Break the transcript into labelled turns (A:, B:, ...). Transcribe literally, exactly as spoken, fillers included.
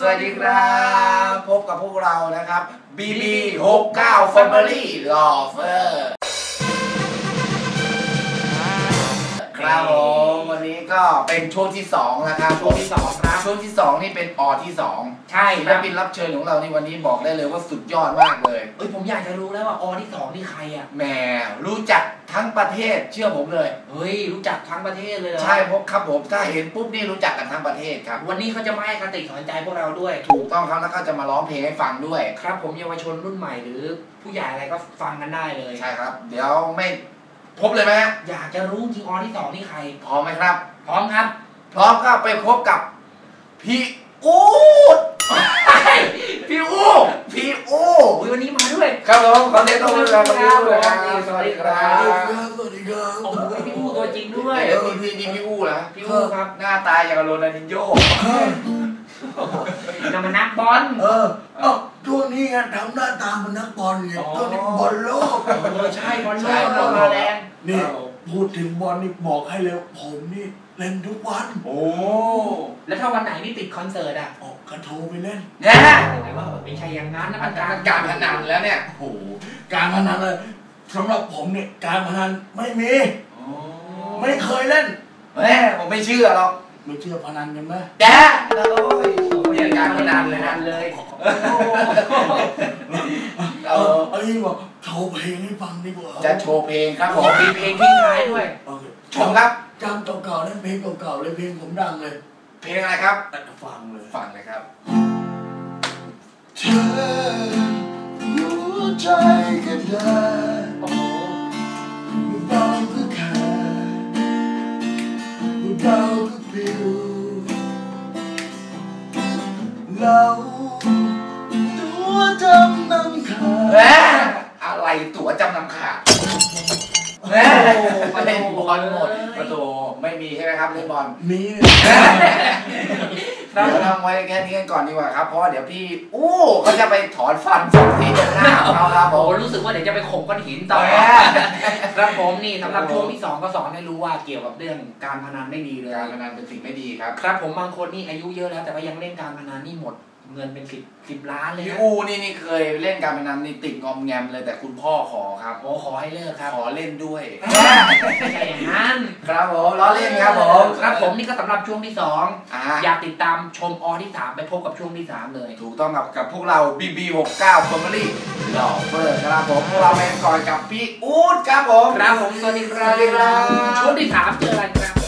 A: วัสดีครับพบกับพวกเรานะครับ บี บี หกเก้า Family Lover ครับผมวันนี้ก็เป็นช่วงที่สองแล้วครับ
B: ช่วงที่สองครับ
A: ช่วงที่สองนี่เป็นออที่สอง
B: ใช่
A: ศิลปินรับเชิญของเราในวันนี้บอกได้เลยว่าสุดยอดมากเลย
B: เอ้ยผมอยากจะรู้แล้วว่าอที่สองนี่ใครอ่ะ
A: แหมรู้จักทั้งประเทศเชื่อผมเลย
B: เฮ้ยรู้จักทั้งประเทศเลยเหรอ
A: ใช่พบครับผมถ้าเห็นปุ๊บนี่รู้จักกันทั้งประเทศครับ
B: วันนี้เขาจะมาให้คติสอนใจพวกเราด้วย
A: ถูกต้องครับแล้วก็จะมาร้องเพลงให้ฟังด้วย
B: ครับผมเยาวชนรุ่นใหม่หรือผู้ใหญ่อะไรก็ฟังกันได้เลย
A: ใช่ครับเดี๋ยวไม่พบเลยไหม
B: อยากจะรู้จริงอที่สองนี่ใคร
A: พร้อมไหมครับ
B: พร้อมครับ
A: พร้อมก็ไปพบกับพี่อูด
B: พี่อู
A: พี่อู
B: วันนี้มาด้วย
A: ครับผมขอเสียงปรบมือครับพี่อูครับ
B: สวัสดีครับ
C: สวัสดีครับ
B: โอ้โหพี่อูตัวจริงด้วย
A: เดี๋ยวพี่พี่พี่อูนะ
B: พี่อูครับ
A: หน้าตาอย่างกับโรนัลดินโญ่
B: จะมานักบอล
C: เออเอ้าช่วงนี้ไงทำหน้าตาเหมือนนักบอลไงช่วงนี้บอลโลก
B: เออใช่บอลโลกเรามาแรง
C: นี่พูดถึงบอลนี่บอกให้เลยผมนี่เล่นทุกวัน
A: โอ้
B: แล้วถ้าวันไหนนี่ติดคอนเสิร์ตอ่ะ
C: ออกกระโทรไปเล่น
A: เนี่ย
B: แต่ว่าไม่ใช่อย่างนั้นนะมัน
A: การการพนันแล้วเนี่ย
C: โอ้โหการพนันเลยสำหรับผมเนี่ยการพนันไม่มีไม่เคยเล่น
A: แม่ผมไม่เชื่อหรอก
C: ไม่เชื่อพนันกันไหม
A: แจ๊โอ้ยเรียนการพนันเลยนะ
B: เลย
C: เออไอ้นี่บอกโชว์เพลงให้ฟังดีกว่า
A: จะโชว์เพลงครับผม
B: มีเพลงทิ้งท้ายด้วย
A: ชมครับ
C: จำเก่าๆนั่นเพลงเก่าๆเลยเพลงผมดังเลย
A: เพลงอะไรครับ
C: ฟังเลย
A: ฟังเลยครับ
C: เธอรู้ใจกันได้
B: โอ้โห
C: เบาก็ขาดเบาก็ปิวเราตัวจำนำขาด
A: แหมอะไรตัวจำนำขาดแม่เล่นบอลหมดประตูไม่มีใช่ไหมครับเล่นบอล
C: มี
A: เราทำไว้แค่นี้กันก่อนดีกว่าครับเพราะเดี๋ยวพี่อู้เขาจะไปถอนฟันสองทีหน้าเราครับผม
B: รู้สึกว่าเดี๋ยวจะไปข่มก้อนหินต่อครับผมนี่สำหรับช่วงที่สองก็สอนให้รู้ว่าเกี่ยวกับเรื่องการพนันไม่ดีเลย
A: การพนันเป็นสิ่งไม่ดีครับ
B: ครับผมบางคนนี่อายุเยอะแล้วแต่ว่ายังเล่นการพนันนี่หมดเงินเป็นสิบสิบล้านเลย
A: พี่อูนี่นี่เคยเล่นการพนันนี่ติดงอมแงมเลยแต่คุณพ่อขอครับ
B: โอ้ขอให้เลิกครับ
A: ขอเล่นด้วย
B: ไม่ใช่อย่างนั้น
A: ครับผมล้อเล่นครับผม
B: ครับผมนี่ก็สำหรับช่วงที่สองอยากติดตามชมอที่สามไปพบกับช่วงที่สามเลย
A: ถูกต้องกับกับพวกเรา บี บี หกเก้า Family Lover ครับผมพวกเราไปก่อนกับพี่อู๊ดครับผม
B: ครับผมสวัสดีครับช่วงที่สามเจออะไรครับ